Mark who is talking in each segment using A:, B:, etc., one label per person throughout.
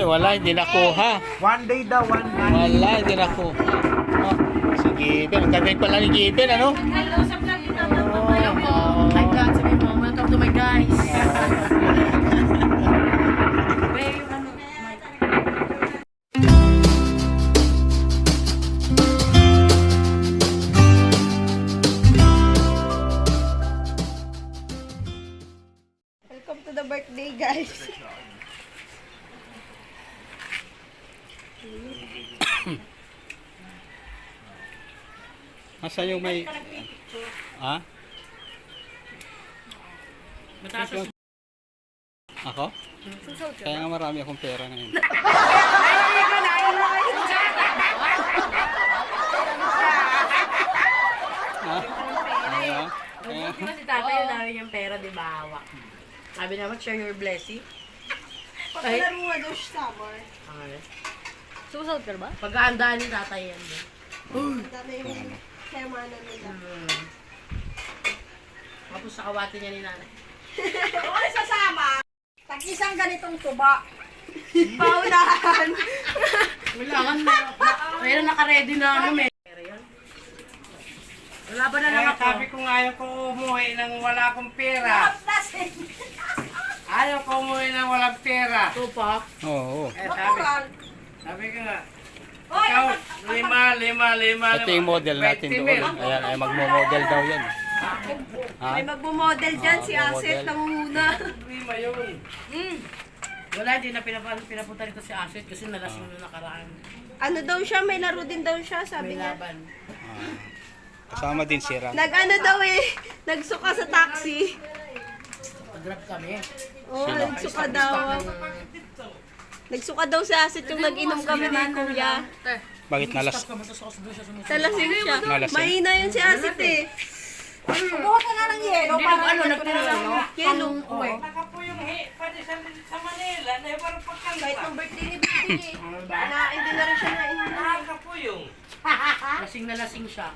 A: wala, hindi nakuha.
B: One day daw, one day.
A: Wala, hindi nakuha. Oh, si Given. Ang galing pala ni Given, ano?
C: Hello sa vlog ni Tata Hello po. Hi God, sabi mo, welcome to my guys. Babe, yung ano,
D: Welcome to the birthday, guys.
A: Nasaan yung may... Ha?
C: matatas.
A: Ako? Kaya nga marami akong pera ngayon. Ha? Ayaw? Ayaw?
C: Si Tata yung dami niyang pera, di ba? Hawak. Sabi naman, share your blessing.
D: Pagkalaro nga daw siya summer.
C: Susunod ka ba? Pag-aandaan ni Tata yan.
D: Ang dami yung kayamanan nila.
C: Tapos sa kawati niya ni nanay.
D: Okay, sasama. Tag-isang ganitong tuba. Paunahan.
C: Kailangan meron naka-ready na ano, may pera yan. Wala ba na lang
B: Kaya
C: ako?
B: sabi ko nga ayaw ko umuwi nang wala akong pera. Ayaw ko umuwi nang walang pera.
C: Tupak.
A: Oo.
B: Eh, sabi ko nga, ikaw, lima.
A: Ito yung model natin doon. Ayan, ay magmo-model daw yan. Ha?
D: May magmo-model dyan, si Aset
A: model.
D: nangunguna.
B: Lima yun.
C: Wala, hindi na pinapunta rito si Asit kasi nalasing nung nakaraan.
D: Ano daw siya, may laro din daw siya, sabi
C: May
D: niya.
C: laban.
A: Kasama din si Ram.
D: Nag-ano daw eh, nagsuka sa taxi.
C: Pag-grab kami.
D: Oo, nagsuka daw. Nagsuka daw si Aset yung nag-inom kami ni Kuya.
A: Bakit nalas?
D: Talasing siya.
A: Nalasing?
D: Mahina yun si Aset eh. Bukas ka nga ng yelo.
C: Hindi nag-ano, nagtulong.
D: Yelo.
B: Nakapuyong pwede sa Manila, na parang pagkanta.
D: Kahit ng birthday ni Bibi eh. Hindi na rin siya nainom.
B: Nakapuyong.
C: Lasing na lasing siya.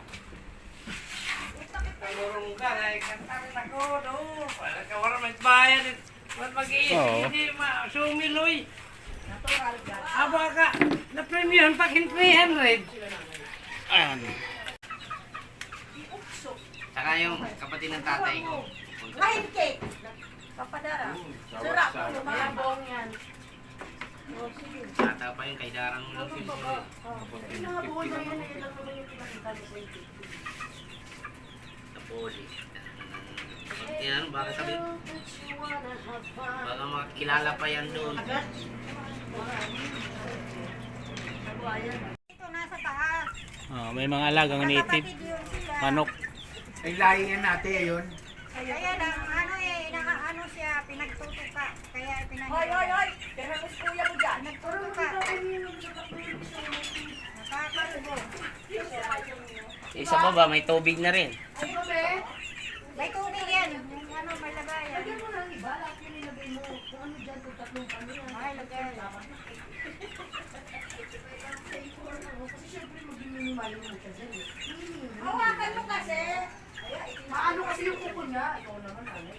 B: Nagurong ka, kantarin ako, no? Wala may bayan. Wala mag-iisip,
A: Oo.
B: hindi sumiloy. Aba ka, na-premium pag 300.
A: Ayan.
B: Saka yung kapatid ng tatay ko.
D: Kahit cake. Papadara. Sarap.
C: Mga buong yan.
B: Tata pa yung kay Darang mo lang sila. Tapos, yan, baka sabi, baka makakilala pa yan doon.
A: May mga alagang native. Manok.
B: Ay, lahingan natin yun.
E: Kaya lang, ano eh, nakaano siya, pinagtutuka. Kaya
D: Hoy, hoy, hoy! Pero mas kuya mo dyan.
E: Nagtutuka. Nakakalubo.
F: Isa pa ba, may tubig na rin.
E: May tubig yan. Yung ano, may lagayan. Ay, lagayan.
D: Hawakan mo kasi. Maano kasi yung kuko niya. Ikaw naman, ano.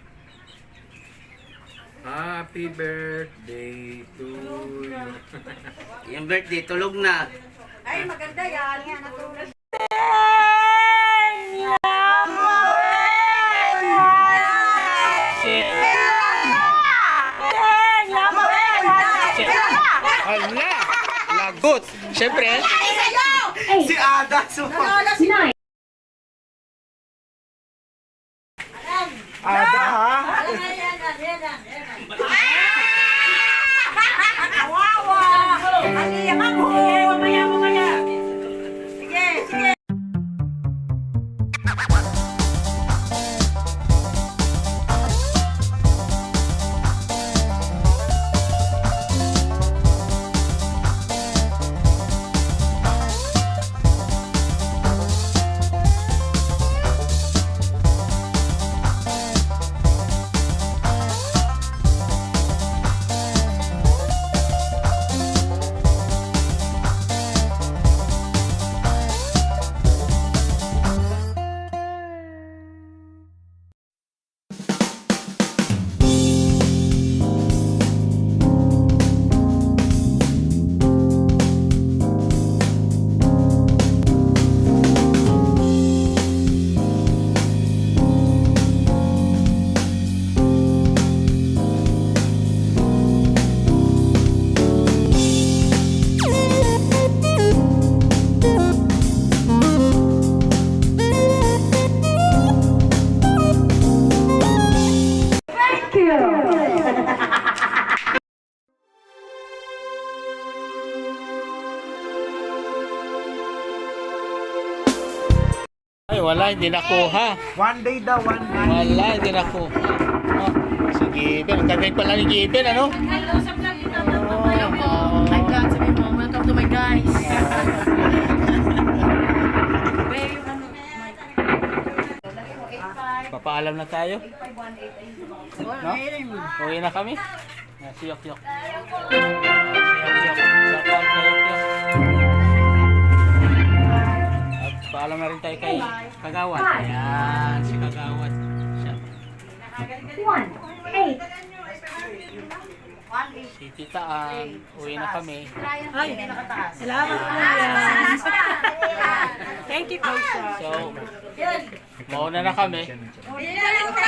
B: Happy birthday to you.
F: Yung birthday, tulog na.
D: Ay, maganda yan.
E: Yan, natulog.
A: Hala! Lagot! Siyempre,
B: Si Ada, Ada, ha?
D: Kawawa! Ang iyak ako! Mamaya mo kaya! Sige, sige!
A: Ay, wala, hindi nakuha.
G: One day daw, one day.
A: Wala, hindi nakuha. Oh, si Given. Kami pala ni Given, ano?
C: Hello po. Hi God, sabi mo, welcome to my guys. Babe, ano,
A: Papaalam na tayo. No? Uwi na kami. Siyok-yok. Siyok-yok. Shout out kay Yok-yok. At paalam na rin tayo kay Kagawad. Ayan, si Kagawad. Siya. Si Tita Ann. Uwi na kami.
C: ay, salamat po yan. Thank you, Coach.
A: So, mauna na kami.